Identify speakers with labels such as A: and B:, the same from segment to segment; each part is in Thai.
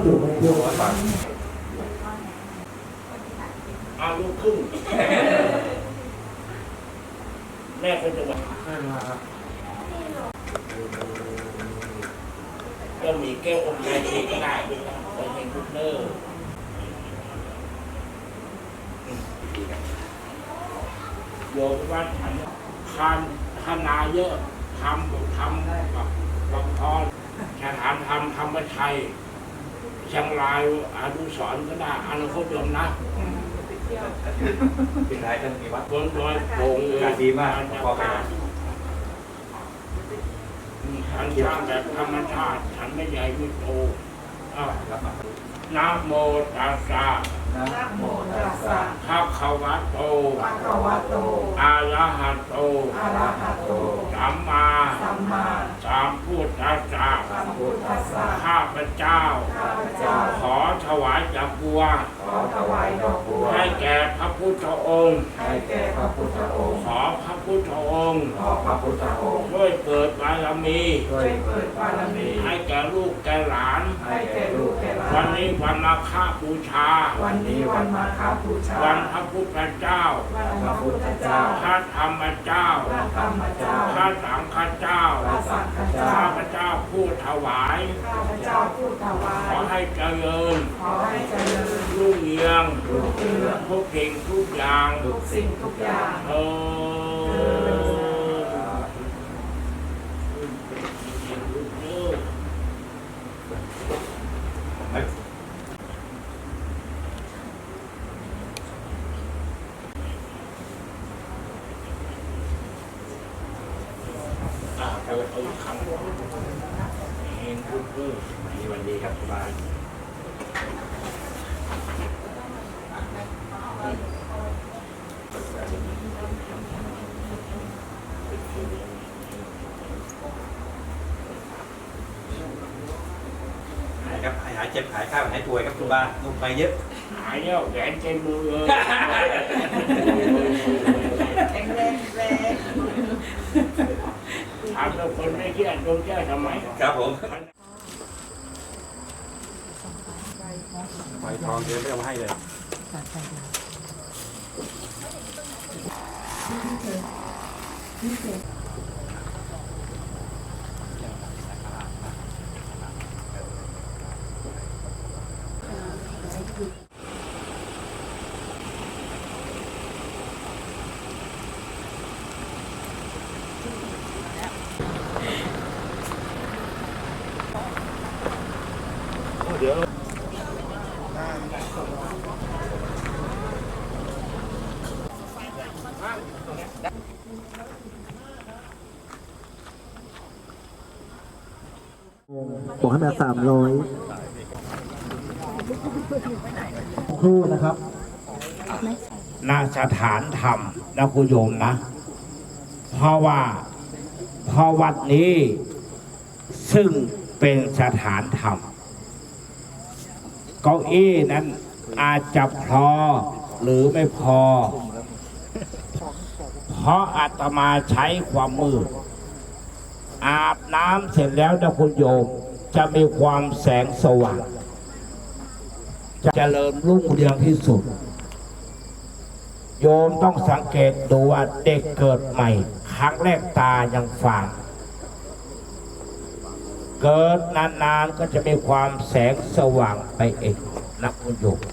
A: จุไม่เที่ยว
B: อายุครึ่งแม่คนจะว่าก็มีแก้วอมยายเองก็ได้ไปเองทุกเนอร์โยมว่าฉันทำนาเยอะทำกับหลวงพ่อฉันทำมาชัยเชียงรายอนุสรณ์ก็ได้อนาคตยมนะ
C: เป็นไรท่านมีวัด
B: บนดอยโป่ง
C: การดีมากพอไป
B: ฉันสร้างแบบธรรมชาติฉันไม่ใหญ่ไม่โตนะโมตัสสะ
D: นะโมตัสสะ
B: ภะคะวะโต
D: ภะคะวะโต
B: อะระหะโต
D: อะระหะโต
B: สัมมาสัมพุทธัสสะข้าพเจ้าขอถวายดอกบัวให้แก่พระพุทธองค์ขอพระพุทธองค์ช่วยเกิดบารมีให้แก่ลูกแก่หลานวันนี้วันมาฆบูชา
D: วัน
B: พระพุทธเจ้าพระธรรมเจ้าพระสังฆเจ้าข้าพเจ้าผู้ถวายขอให้เจริญรุ่งเรืองทุกสิ่งทุกอย่างเอาอีกครั้งเห็นพูด
C: มีวันดีครับคุณบาหายครับหายเจ็บหายข้าวหายป่วยครับคุณบาลงไปเยอะ
B: หายแล้วแขนเจ็บมือเลย
D: แข็งแรง
B: ถามเราคนไม่เชื่อโดนแก้ทำไม
C: ครับผมไฟทองเดินไม่เอามาให้เลย
B: เดี๋ยว
A: บอกให้มา300ครู่นะครับ
B: ณสถานธรรมนะคุณโยมนะเพราะวัดนี้ซึ่งเป็นสถานธรรมเก้าอี้นั้นอาจจะพอหรือไม่พอเพราะอาตมาใช้ความมืดอาบน้ำเสร็จแล้วนะคุณโยมจะมีความแสงสว่างจะเจริญรุ่งเรืองที่สุดโยมต้องสังเกตดูว่าเด็กเกิดใหม่ครั้งแรกตายังฝาดเกิดนานๆก็จะมีความแสงสว่างไปเองนะคุณโยม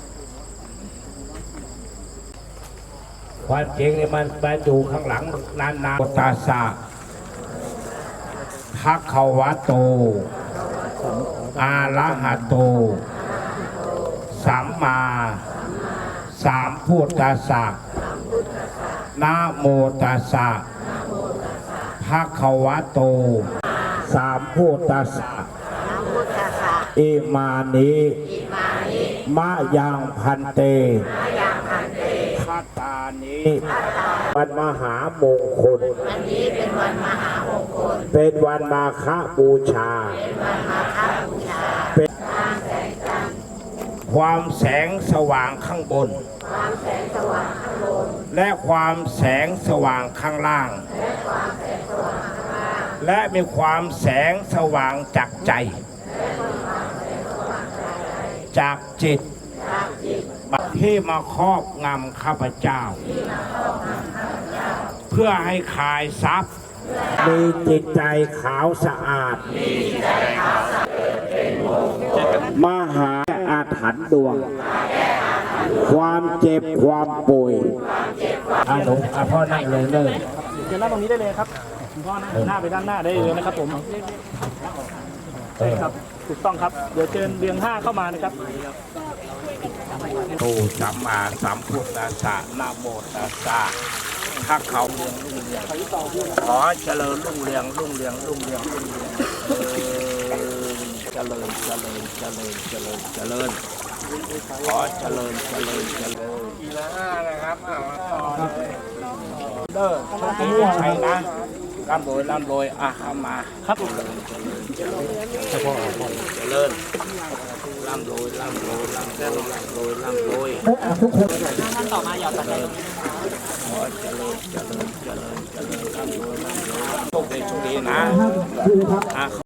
B: ความจริงนี่มันไปอยู่ข้างหลังนานๆตาสาภะคะวะโตอะระหะโตสัมมาสัมพุทธัสสะนะโมตัสสะภะคะวะโตสัมพุทธัสสะอิมานิมะยังพันเตคัตตานิวันมหามงคลเป็นวันมาฆบูชาเป็นความแสงสว่างข้างบนและความแสงสว่างข้างล่างและมีความแสงสว่างจากใจจากจิตที่มาครอบงำข้าพเจ้า เพื่อให้ขายทรัพย์ มีจิตใจขาวสะอาด มหาอาถรรพ์ดวง ความเจ็บความป่วยหนูพ่อนั่งเลยเลย
E: เชิญนั่งตรงนี้ได้เลยครับคุณพ่อนั่งหน้าไปด้านหน้าได้เลยนะครับผมใช่ครับถูกต้องครับเดี๋ยวเชิญเรียง5เข้ามานะครับ
B: ตูสัมมาสัมพุทธัสสะนะโมตัสสะถ้าเขาขอเจริญรุ่งเรืองรุ่งเรืองรุ่งเรืองรุ่งเรืองเจริญเจริญเจริญเจริญเจริญขอเจริญเจริญเจริญทีละ5นะครับเด้อโชคดีมีชัยนะร่ำรวยร่ำรวยเข้ามาครับเจริญเจริญเจริญเจริญร่ำรวยร่ำรวยร่ำรวยร่ำรวยร่ำรวยทุกคนท่านต่อมาอย่าตัดเลยขอเจริญเจริญเจริญเจริญร่ำรวยร่ำรวยโชคดีโชคดีนะ